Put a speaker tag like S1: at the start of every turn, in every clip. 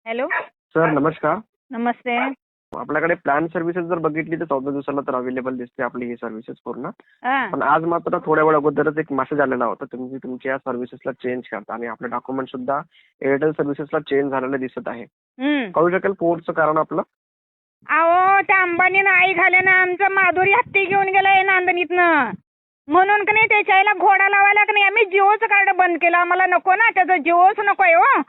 S1: Hello.
S2: Sir नमस्कार.
S1: नमस्ते.
S2: आपल्याकडे plan services जर बघितली तर 14 दिवसाला तर अवेलेबल दिसते आपली ही सर्व्हिसेस पूर्ण.
S1: हा.
S2: पण आज मात्र थोड्या वेळ अगोदरच एक मेसेज आलेला होता तुम्ही तुमच्या सर्व्हिसेसला चेंज करता आणि आपले डॉक्युमेंट सुद्धा एअरटेल सर्व्हिसेसला चेंज झालेले दिसत आहे. कळू शकेल पोर्टचं कारण आपलं?
S1: अहो त्या अंबानीनं आई घाल्यानं आमचं माधुरी हत्ती घेऊन गेलाय नांदणीतनं. म्हणून का नाही त्याच्या आईला घोडा लावायला का नाही आम्ही जिओचं कार्ड बंद केलं. आम्हाला नको ना त्याचं जिओच नको आहे हो.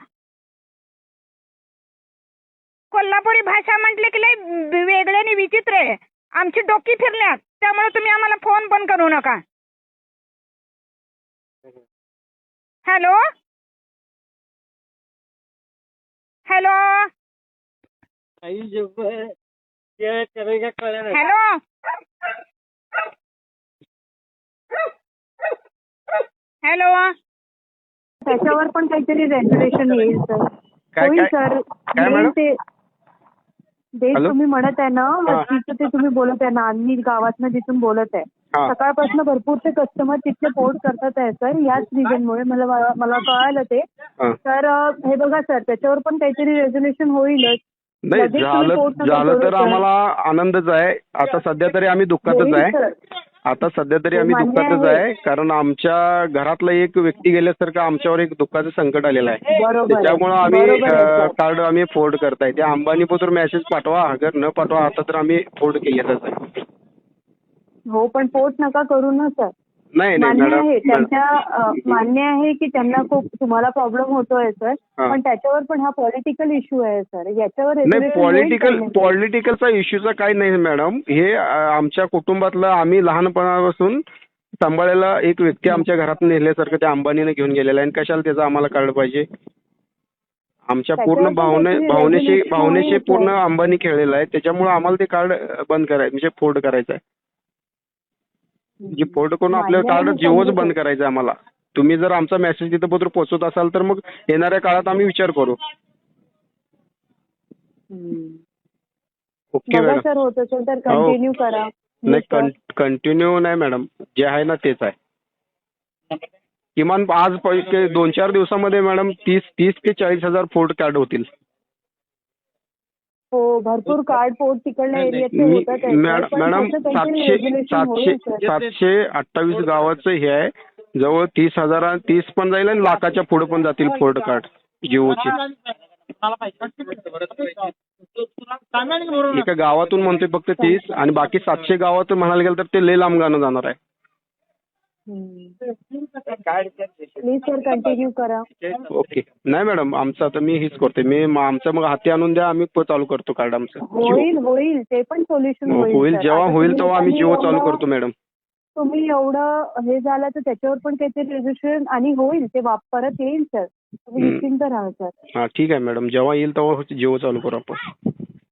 S1: कोल्हापुरी भाषा म्हटले की लय वेगळे आणि विचित्र आहे. आमची डोकी फिरल्यात त्यामुळे तुम्ही आम्हाला फोन पण करू नका. हॅलो. हॅलो. हॅलो. हॅलो.
S3: त्याच्यावर पण काहीतरी रेग्युलेशन येईल सर. होईल सर. येईल ते देश तुम्ही म्हणत आहे ना वस्तीचं ते तुम्ही बोलत आहे ना आम्ही गावातनं जिथून बोलत आहे. सकाळपासून भरपूर ते कस्टमर तिथले पोर्ट करतात आहे सर. याच रिझनमुळे मला कळालं ते. तर हे बघा सर त्याच्यावर पण काहीतरी रेझोल्युशन होईलच.
S4: नाही झालं तर आम्हाला आनंदच आहे. आता सध्या तरी आम्ही दुःखातच आहे. आता सध्या तरी आम्ही दुःखातच आहे कारण आमच्या घरातला एक व्यक्ती गेल्यासारखं आमच्यावर एक दुःखाचं संकट आलेलं आहे. त्याच्यामुळे आम्ही कार्ड आम्ही फोल्ड करताय. त्या अंबानीबद्दल मेसेज पाठवा अगर न पाठवा आता तर आम्ही फोल्ड केलेलंच आहे.
S3: हो पण पोर्ट नका करू ना सर.
S4: नाही
S3: मान्य आहे त्यांच्या मान्य आहे की त्यांना खूप तुम्हाला प्रॉब्लेम होतोय सर. पण त्याच्यावर पण हा पॉलिटिकल इश्यू आहे सर. याच्यावर
S4: पॉलिटिकलचा इश्यूचा काही नाही मॅडम. हे आमच्या कुटुंबातलं आम्ही लहानपणापासून सांभाळलेला एक व्यक्ती आमच्या घरात नेल्यासारखं त्या अंबानीने घेऊन गेलेला आहे. आणि कशाला त्याचं आम्हाला कार्ड पाहिजे? आमच्या पूर्ण भावनेशी पूर्ण अंबानी खेळलेला आहे. त्याच्यामुळे आम्हाला ते कार्ड बंद करायचं म्हणजे फोल्ड करायचं आहे. म्हणजे फोल्ड करून आपलं कार्ड जिओच बंद करायचं आहे आम्हाला. तुम्ही जर आमचा मेसेज तिथं पत्र पोहोचवत असाल तर मग येणाऱ्या काळात आम्ही विचार करू. Okay madam.
S3: सर होत असेल तर कंटिन्यू करा.
S4: नाही कंटिन्यू नाही मॅडम. जे आहे ना तेच आहे. किमान आज 2-4 दिवसामध्ये मॅडम 30 ते 40,000 फोल्ड कार्ड होतील.
S3: हो भरपूर कार्ड पोर्ट तिकडल्या एरियातले होतात.
S4: मॅडम 728 गावाचं हे आहे. जवळ 30 पण जाईल आणि लाखाच्या पुढे पण जातील फोल्ड कार्ड जिओची. एका गावातून म्हणतोय फक्त 30 आणि बाकी 700 गावातून म्हणायला गेलं तर ते लय लांब गाणं जाणार आहे.
S3: प्लीज सर कंटिन्यू करा.
S4: ओके. नाही मॅडम आमचं आता मी हेच करतोय. आमचं मग हाती आणून द्या आम्ही चालू करतो कार्ड आमचं.
S3: होईल ते पण सोल्युशन
S4: होईल. जेव्हा होईल तेव्हा आम्ही जिओ चालू करतो मॅडम.
S3: तुम्ही एवढं हे झालं तर त्याच्यावर पण काहीतरी रेजिस्ट्रेशन आणि होईल ते परत येईल सर. तुम्ही निश्चिंत राहा सर.
S4: ठीक आहे मॅडम. जेव्हा येईल तेव्हा जिओ चालू करू आपण.